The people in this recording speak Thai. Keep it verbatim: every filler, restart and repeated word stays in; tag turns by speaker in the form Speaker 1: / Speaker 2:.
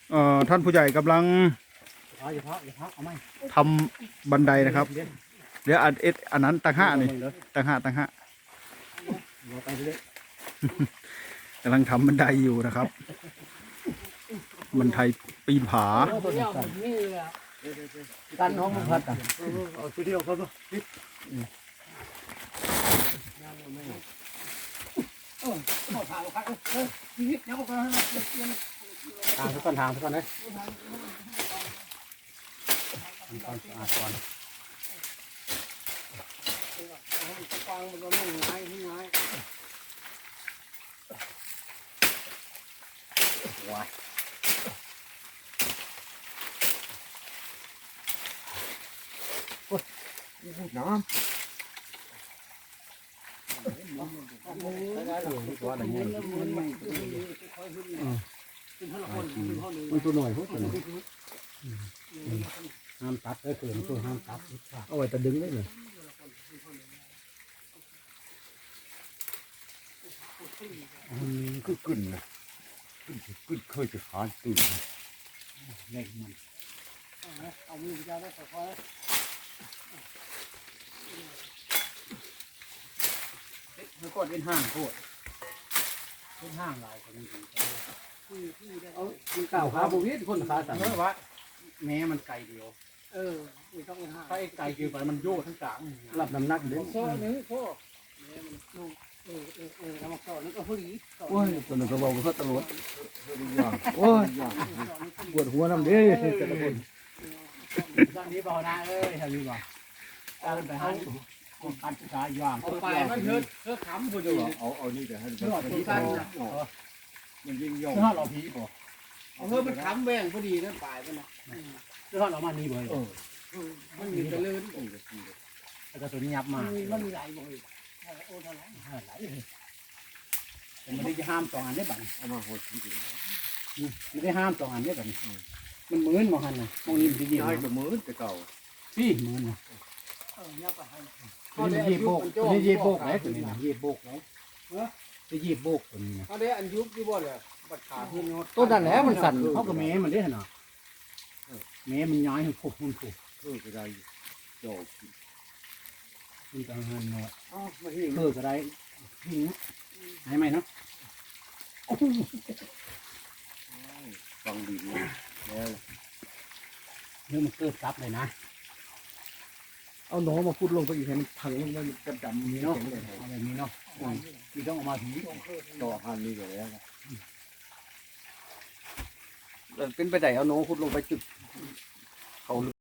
Speaker 1: เอ่อท่านผู้ใหญ่กำลัง
Speaker 2: เอาอย่าพักอย่าพักเอาไหม
Speaker 1: ทำบันไดนะครับเดี๋ยวอันเอ็ดอันนั้นต่างหากนี่ต่างหากต่างหาก
Speaker 2: เราไปเรื่อย
Speaker 1: กำลังทำบันไดอยู่นะครับบันไดปีนผา
Speaker 2: กันน้องมันพัดอ่ะ
Speaker 3: เอาทีเดียวครับ
Speaker 2: ทางทุกคนทางทุกคนเลยทำความสะอาดก่อนว้าย
Speaker 3: น้
Speaker 2: ตัวอะไรเงี้ยมันตัวหน่อยพวกตัวหน่อยห้ามตัดได้เกินตัวห้ามตัดเอาไว้แต่ดึงได้เลย
Speaker 3: ำก็กึ่นนะกึ่นกึ่นเคยจะขาดตื่น
Speaker 2: เล็กมันเอามือไปได้ค่อยๆมันก็เป็นห้างโคตรเป็นห้างลายคนนี้เอามันเก่าขาบุวิทคนขาสั่นเมื่อวะแม้มันไก่เดียวเออไม่ต้องห้างถ้าไอ้ไก่เกี่ยวไปมันโยกทั้งกลางรับน้ำหนักเด้อโซ่หนึ่งโซ่เออเออเออทำมาก่อนแล้วก็หุ่ยโอ้ยตัวนึงก็บอกว่าตลอดโอ้ยปวดหัวน้ำเด้อแต่ละคนตอนนี้เบาหน้าเอ้ยทำดีกว่าเอาไปให้คนการศึกษาย่างเอาไปมันเถิดเถิดขำผู้อยู่
Speaker 3: เอาเอานี่แต่ให้
Speaker 2: เถิดผีกันนะ
Speaker 3: มันยิ่งย่อง
Speaker 2: เถิดเราผีบ่เอาเถิดมันขำแหวงพอดีนั่นปลายมันนะเถิดเรามานี่บ่มันมีตะลื่นแล้วก็ตัวนี้ยับมามันมีหลายบ่อยโอ้เท่าไหร่หลายแต่ไม่ได้ห้ามสองอันได้บัด
Speaker 3: เอามาหดที่
Speaker 2: ไม่ได้ห้ามสองอันได้บัดมันเหมือนมองหันนะมองนี้มันจะยิ้ม
Speaker 3: ย้ายกับมือแต่เก่า
Speaker 2: พี่เหมือนนะนี่ยีบโบกนี่ยีบโบกไหนตัวนี้นะยีบโบกไหนจะยีบโบกตัวนี้นะ
Speaker 4: เขาได้อันยุบที่บ่เลยบัดขาที่นอด
Speaker 2: ต้นนั่นแหละมันสั่นเขากับแม่มันได้ขนาดแม่มันย้ายให้พวกมันพวก
Speaker 3: เออก็ได้โจก
Speaker 2: มันจะหันเนาะ
Speaker 4: อ๋อมาที่
Speaker 2: เพื่อก็ได้หิวหายไหมเนาะ
Speaker 3: ฟังดีนะแล้ว
Speaker 2: เดี๋ยวมันเกิดกลับเลยนะ
Speaker 3: เอาหนอมาพูดลงไปอีกให้มันพังลงมันกระดำ
Speaker 2: มี
Speaker 3: นี่
Speaker 2: เนาะ
Speaker 3: เนาะ
Speaker 2: เอาแบบนี้เนาะมีต้องออกมาผี
Speaker 3: ต่อหันนี่ก็แล้ว
Speaker 4: เป็นไปได้เอาโน้ขุดลงไปจุดเขา